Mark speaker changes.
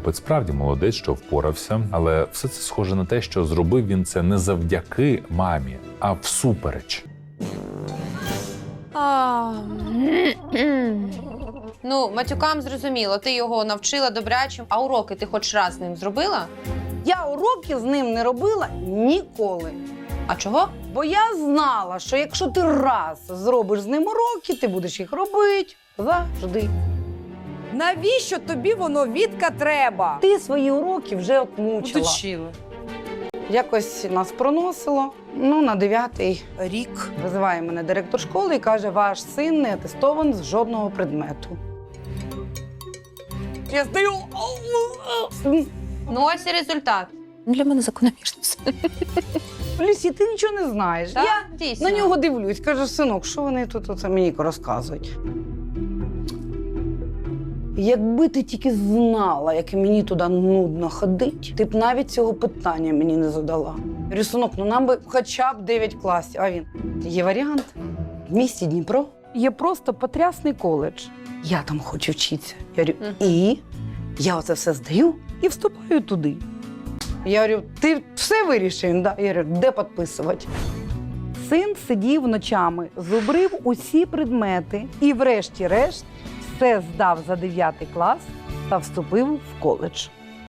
Speaker 1: Хлопець справді молодець, що впорався, але все це схоже на те, що зробив він це не завдяки мамі, а всупереч.
Speaker 2: Ну, матюкам зрозуміло, ти його навчила добрячим, а уроки ти хоч раз з ним зробила?
Speaker 3: Я уроки з ним не робила ніколи.
Speaker 2: А чого?
Speaker 3: Бо я знала, що якщо ти раз зробиш з ним уроки, ти будеш їх робити завжди.
Speaker 4: Навіщо тобі воно, Вітка, треба?
Speaker 3: Ти свої уроки вже отмучила.
Speaker 4: Уточила.
Speaker 3: Якось нас проносило, на 9-й
Speaker 4: Рік.
Speaker 3: визиває мене директор школи і каже, ваш син не атестований з жодного предмету. Я стою.
Speaker 2: Ну, ось і результат.
Speaker 5: Для мене закономірно все.
Speaker 3: Люсі, ти нічого не знаєш.
Speaker 2: Так,
Speaker 3: Я
Speaker 2: дійсно.
Speaker 3: на нього дивлюсь, кажу, синок, що вони тут оце мені розказують? Якби ти тільки знала, як мені туди нудно ходить, ти б навіть цього питання мені не задала. Я говорю, синок, нам би хоча б 9 класів. А він, є варіант. В місті Дніпро є просто потрясний коледж. Я там хочу вчитися. Я говорю, і? Я оце все здаю і вступаю туди. Я говорю, ти все вирішив? Він, да. Я говорю, де підписувати? Син сидів ночами, зубрив усі предмети і врешті-решт все здав за 9 клас та вступив в коледж.